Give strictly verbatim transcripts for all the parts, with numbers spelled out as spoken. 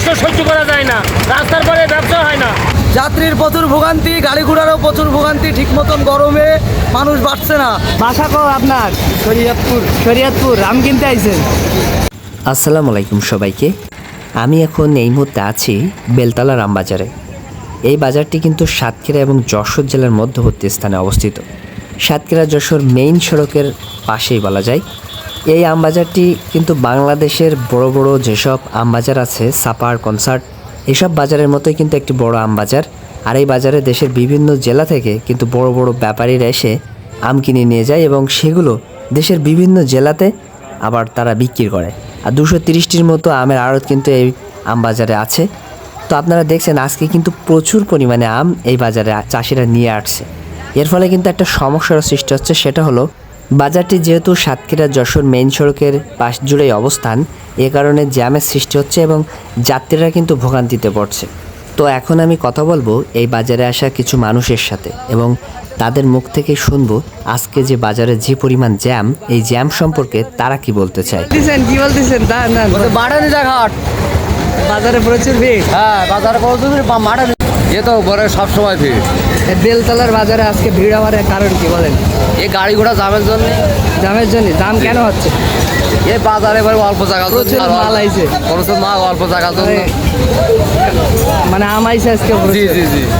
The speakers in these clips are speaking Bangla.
সহ্য করা যায় না, রাস্তার পরে ব্যবসা হয় না। যাত্রীর প্রচুর ভোগান্তি, গাড়ি ঘোড়ারও প্রচুর ভোগান্তি, ঠিক মতন গরমে মানুষ বাড়ছে না। বাসা কো আপনার? শরীয়তপুর। শরীয়তপুর। আম কিনতে আইছেন? আসসালামু আলাইকুম সবাইকে। আমি এখন এই মুহূর্তে আছি বেলতলা রামবাজারে। এই বাজারটি কিন্তু সাতক্ষীরা এবং যশোর জেলার মধ্যবর্তী স্থানে অবস্থিত। সাতক্ষীরা যশোর মেইন সড়কের পাশেই বলা যায়। এই আমবাজারটি কিন্তু বাংলাদেশের বড় বড় যেসব আমবাজার আছে, সাপার, কনসার্ট, এসব বাজারের মতোই কিন্তু একটি বড় আমবাজার। আর এই বাজারে দেশের বিভিন্ন জেলা থেকে কিন্তু বড় বড় ব্যাপারীরা এসে আম কিনে নিয়ে যায় এবং সেগুলো দেশের বিভিন্ন জেলাতে আবার তারা বিক্রি করে। আর দুশো তিরিশটির মতো আমের আড়ত কিন্তু এই আম বাজারে আছে। তো আপনারা দেখছেন আজকে কিন্তু প্রচুর পরিমাণে আম এই বাজারে চাষিরা নিয়ে আসছে। এর ফলে কিন্তু একটা সমস্যার সৃষ্টি হচ্ছে, সেটা হলো বাজারটি যেহেতু সাতক্ষীরা যশোর মেইন সড়কের পাশ জুড়েই অবস্থান, এ কারণে জ্যামের সৃষ্টি হচ্ছে এবং যাত্রীরা কিন্তু ভোগান্তিতে পড়ছে। তো এখন আমি কথা বলবো এই বাজারে আসা কিছু মানুষের সাথে এবং তাদের মুখ থেকে শুনবো আজকে যে বাজারে যে পরিমাণ জ্যাম, এই জ্যাম সম্পর্কে তারা কি বলতে চায়। বলতেছেন কি বলতেছেন? দাঁড়ান দাঁড়ান। বাড়ানি ঘাট বাজারে প্রচুর ভিড়। হ্যাঁ, বাজারে প্রচুর ভিড়, মাঠে এ তো বড় সবসময় ভিড়। এই বেলতলার বাজারে আজকে ভিড় হওয়ার কারণ কি বলেন? এই গাড়ি ঘোড়া জামের জন্য। দামের জন্য? দাম কেন হচ্ছে? এই বাজারে এবার অল্প জায়গা, প্রচুর মাল আইছে। প্রচুর মাল অল্প জায়গা জন্য। মানে আম আইছে আজকে প্রচুর। জি জি জি।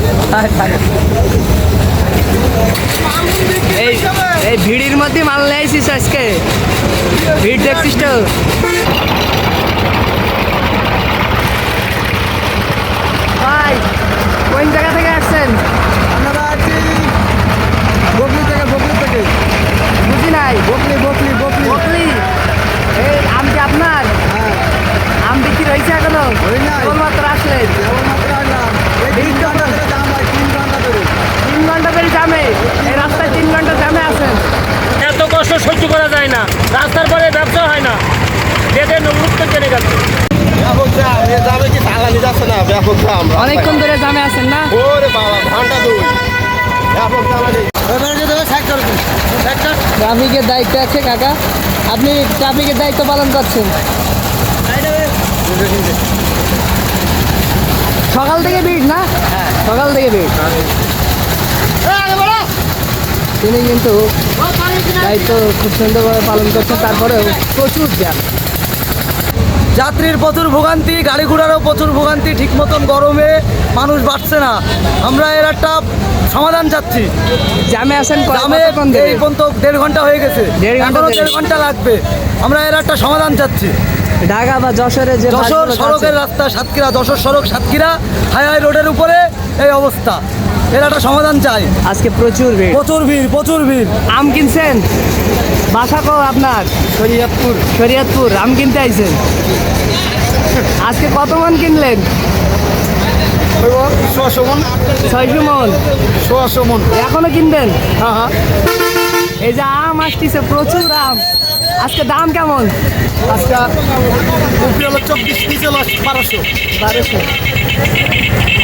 এই এই ভিড়ের মধ্যে মাল নিয়ে আইছিস আজকে? ভিড় দেখছিস তো? ভাই কোন জায়গা থেকে আসছেন? আমরা আছি বকলি থেকে। বকলি থেকে বুঝি নাই। বকলি বকলি বকলি বকলি। এই আম কি আপনার? হ্যাঁ, আম বিক্রি হয়েছে এখনো? হয় নাই। কেবলমাত্র আসলেন? কেবলমাত্র আসলাম। এই তিন ঘন্টা ধরে জাম হয়, তিন ঘন্টা ধরে। তিন ঘন্টা ধরে জামে? এই রাস্তায় তিন ঘন্টা জামে আছেন? এত কষ্ট সহ্য করা যায় না, রাস্তার পরে ব্যবসা হয় না, বেঁধে মুক্ত চলে গেছে। ব্যাপক জ্যাম, এ জ্যামে কি চালানি যাচ্ছে না? ব্যাপক জ্যাম। অনেকক্ষণ ধরে জামে আছেন না? ওরে বাবা, ঘন্টা দুই ব্যাপক জ্যামানি। ট্রাফিকের দায়িত্ব আছে কাকা, আপনি ট্রাফিকের দায়িত্ব পালন করছেন। সকাল থেকে ভিড় না? সকাল থেকে ভিড়। তিনি কিন্তু দায়িত্ব খুব সুন্দরভাবে পালন করছেন, তারপরেও প্রচুর জ্যাম। যাত্রীর প্রচুর ভোগান্তি, গাড়ি ঘোড়ারও প্রচুর ভোগান্তি, ঠিক মতন গরমে মানুষ বাড়ছে না। আমরা এর একটা সমাধান চাচ্ছি। জ্যামে আছেন জামে এই পর্যন্ত দেড় ঘন্টা হয়ে গেছে, দেড় ঘন্টা এখনো দেরি। দেড় ঘন্টা লাগবে। আমরা এর একটা সমাধান চাচ্ছি। ঢাকা বা যশোরে যে যশোর বাসগুলো সড়কের যাচ্ছে, রাস্তা সাতক্ষীরা, যশোর সড়ক সাতক্ষীরা হাইওয়ে রোডের উপরে এই অবস্থা। এর একটা সমাধান চাই। আজকে প্রচুর ভিড়। প্রচুর ভিড়, প্রচুর ভিড়। আম কিনছেন? বাসা কো আপনার? শরীয়তপুর। শরীয়তপুর। আম কিনতে আইছেন? আজকে কত মন কিনলেন? ছশো মন। ছয়শো মন। ছশো মন। এখনো কিনবেন? হ্যাঁ হ্যাঁ। এই যে আম আসতেছে, প্রচুর আম। আজকে দাম কেমন? আজকে উপরে হলো চব্বিশ, নিচে হলো বারোশো। বারোশো।